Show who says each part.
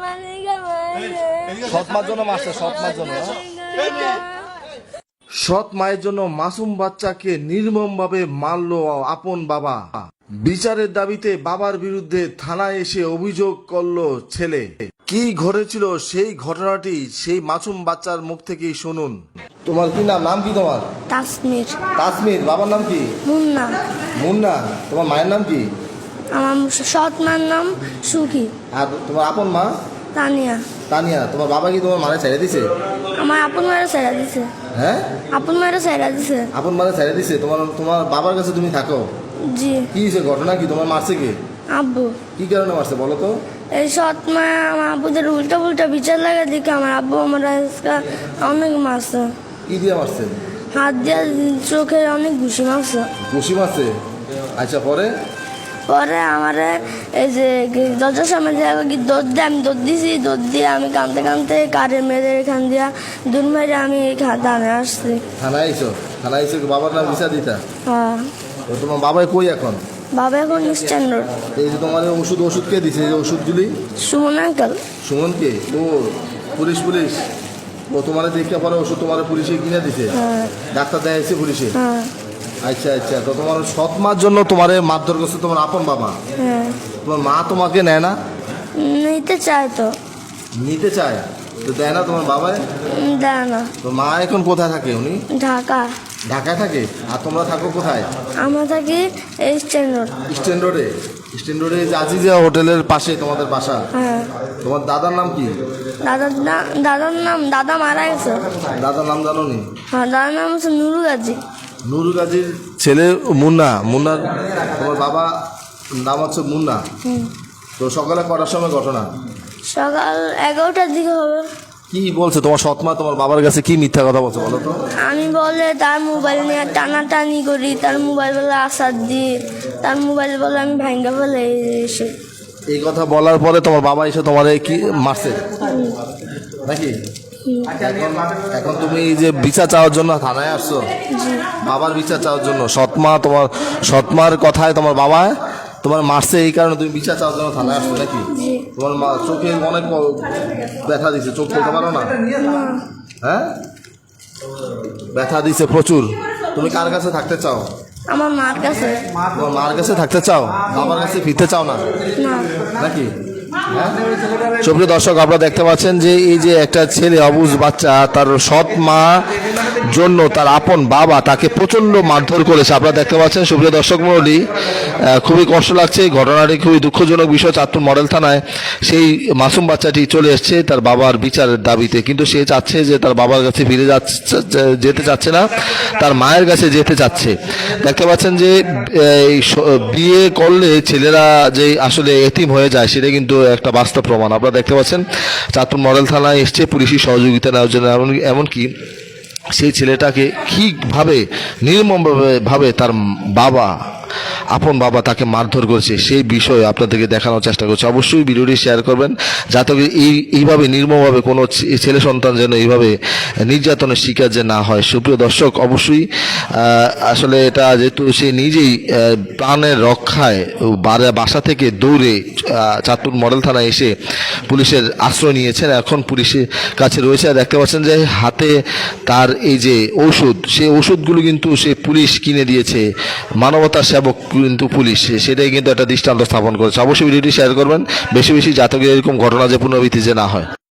Speaker 1: সৎ মার জন্য মারছে, সৎ মার জন্য। সৎ মায়ের জন্য মাসুম বাচ্চাকে নির্মমভাবে মারল আপন বাবা। বিচারের দাবিতে বাবার বিরুদ্ধে থানায় এসে অভিযোগ করলো ছেলে। কি ঘটেছিল সেই ঘটনাটি সেই মাসুম বাচ্চার মুখ থেকেই শুনুন। তোমার কি নাম? নাম কি তোমার?
Speaker 2: তাসমির।
Speaker 1: তাসমির। বাবার নাম কি?
Speaker 2: মুন্না।
Speaker 1: মুন্না। তোমার মায়ের নাম কি?
Speaker 2: আমার সৎ মার নাম সুখী।
Speaker 1: আর তোমার আপন মা?
Speaker 2: তানিয়া।
Speaker 1: তানিয়া। তোমার বাবা কি তোমার মারে ছেড়ে দিছে?
Speaker 2: আমার আপন মায়ের ছেড়ে দিছে।
Speaker 1: হ্যাঁ,
Speaker 2: আপন মায়ের ছেড়ে দিছে।
Speaker 1: আপন মারে ছেড়ে দিছে। তোমার বাবার কাছে তুমি থাকো?
Speaker 2: জি।
Speaker 1: কি হয়েছে? ঘটনা কি? তোমার মারছে কে?
Speaker 2: আব্বু।
Speaker 1: কি কারণে মারছে বলো তো?
Speaker 2: এই সৎ মা আমার আব্বুদের উল্টা পুল্টা বিচার লাগে দেখে আমার আব্বু আমার আজকে অনেক মারছে।
Speaker 1: কি দিয়ে মারছে?
Speaker 2: হাত দিয়ে চোখে অনেক ঘুষি মারছে।
Speaker 1: ঘুষি মারছে? আচ্ছা, পরে?
Speaker 2: পরে আমার এই যে দরজার সামনে দিয়ে দৌড় দিয়ে আমি দৌড় দিছি, দৌড় দিয়ে আমি কাঁদতে কাঁদতে কারের মেয়েদের এখান দিয়া দূর মেরে আমি থানায় আসছি।
Speaker 1: থানায় আইসো? থানায় আইসো বাবার নাম বিচার দিতা?
Speaker 2: হ্যাঁ।
Speaker 1: তো তোমার বাবাই কই এখন?
Speaker 2: বাবা এখন স্ট্যান্ডার্ড।
Speaker 1: এই যে তোমার ওষুধ কে দিছে? এই যে ওষুধগুলি?
Speaker 2: সুমন আঙ্কেল।
Speaker 1: সুমন কে? ও পুলিশ। ও তোমার দেখে পরে ওষুধ তোমার পুলিশে কিনে দিছে?
Speaker 2: হ্যাঁ।
Speaker 1: ডাক্তার দেখাইছে পুলিশে?
Speaker 2: হ্যাঁ।
Speaker 1: আচ্ছা আচ্ছা। তো তোমার সৎ মার জন্য তোমার মারধর করছে তোমার আপন বাবা?
Speaker 2: হ্যাঁ।
Speaker 1: তোমার মা তোমাকে নেয় না?
Speaker 2: নিতে চায় তো।
Speaker 1: নিতে চায় তো দেয় না তোমার বাবায়?
Speaker 2: দেয় না।
Speaker 1: তো মা এখন কোথায় থাকে উনি?
Speaker 2: ঢাকা।
Speaker 1: ঢাকায় থাকে। আর তোমরা থাকো কোথায়?
Speaker 2: আমরা থাকি স্ট্যান্ডার্ড।
Speaker 1: স্ট্যান্ড রোডে? স্ট্যান্ড রোডে আজিজা হোটেলের পাশে তোমাদের বাসা?
Speaker 2: হ্যাঁ।
Speaker 1: তোমার দাদার নাম কি?
Speaker 2: দাদার নাম দাদা মারা গেছে।
Speaker 1: দাদার নাম জানো নি?
Speaker 2: হ্যাঁ, দাদার নাম হচ্ছে নুরু গাজী।
Speaker 1: নুরু গাজীর ছেলে মুন্নার তোমার বাবা নাম হচ্ছে মুন্না। তো সকালে কটার সময় ঘটনা?
Speaker 2: সকাল 11টার দিকে হবে।
Speaker 1: কি বলছে তোমার সৎ মা তোমার বাবার কাছে? কি মিথ্যা কথা বলছে বলো তো?
Speaker 2: আমি বলে তার মোবাইল নিয়ে টানাটানি করি, তার মোবাইল বলে আসার দিই, তার মোবাইল বলে আমি ভাঙ্গা ফেলে এসে।
Speaker 1: এই কথা বলার পরে তোমার বাবা এসে তোমার কি মারছে নাকি? এখন তুমি এই যে বিচার চাওয়ার জন্য থানায় আসছো, বাবার বিচার চাওয়ার জন্য। সৎমার কথায় তোমার বাবা তোমার মারছে, এই কারণে তুমি বিচার চাওয়ার জন্য থানায় আসছো নাকি? তোমার চোখে অনেক ব্যথা দিছে, চোখ খুলতে পারো না? হ্যাঁ, ব্যথা দিছে প্রচুর। তুমি কার কাছে থাকতে চাও?
Speaker 2: আমার মার কাছে।
Speaker 1: তোমার মার কাছে থাকতে চাও? বাবার কাছে ফিরতে চাও না নাকি? সুপ্রিয় দর্শক, আপনারা দেখতে পাচ্ছেন যে এই যে একটা ছেলে অবুঝ বাচ্চা, তার সৎ মা জন্য তার আপন বাবা তাকে প্রচন্ড মারধর করেছে। আপনারা দেখতে পাচ্ছেন সুপ্রিয় দর্শক মণ্ডলী, খুবই কষ্ট লাগছে। এই ঘটনাটি খুবই দুঃখজনক বিষয়। চাঁদপুর মডেল থানায় সেই মাসুম বাচ্চাটি চলে এসছে তার বাবার বিচারের দাবিতে, কিন্তু সে চাচ্ছে যে তার বাবার কাছে ফিরে যেতে চাচ্ছে না, তার মায়ের কাছে যেতে চাচ্ছে। দেখতে পাচ্ছেন যে বিয়ে করলে ছেলেরা যে আসলে এতিম হয়ে যায় সেটা কিন্তু একটা বাস্তব প্রমাণ। আপনারা দেখতে পাচ্ছেন চাঁদপুর মডেল থানায় এসছে পুলিশি সহযোগিতা নেওয়ার জন্য। এমনকি সেই ছেলেটাকে কীভাবে নির্মমভাবে তার বাবা আপন বাবা তাকে মারধর করেছে সেই বিষয়ে আপনাদেরকে দেখানোর চেষ্টা করছে। অবশ্যই ভিডিওটি শেয়ার করবেন যাতে এইভাবে নির্মমভাবে কোনো ছেলে সন্তান যেন এইভাবে নির্যাতনের শিকার যে না হয়। সুপ্রিয় দর্শক, অবশ্যই আসলে এটা যেহেতু সে নিজেই প্রাণের রক্ষায় বাসা থেকে দৌড়ে চাঁদপুর মডেল থানায় এসে পুলিশের আশ্রয় নিয়েছেন, এখন পুলিশের কাছে রয়েছে। দেখতে পাচ্ছেন যে হাতে তার এই যে ওষুধ, সেই ওষুধগুলো কিন্তু সে পুলিশ কিনে দিয়েছে। মানবতার সেবক কিন্তু পুলিশ, সেটাই কিন্তু একটা দৃষ্টান্ত স্থাপন করেছে। অবশ্যই ভিডিওটি শেয়ার করবেন বেশি বেশি, যাতে এরকম ঘটনা যে পুনরাবৃত্তি যে না হয়।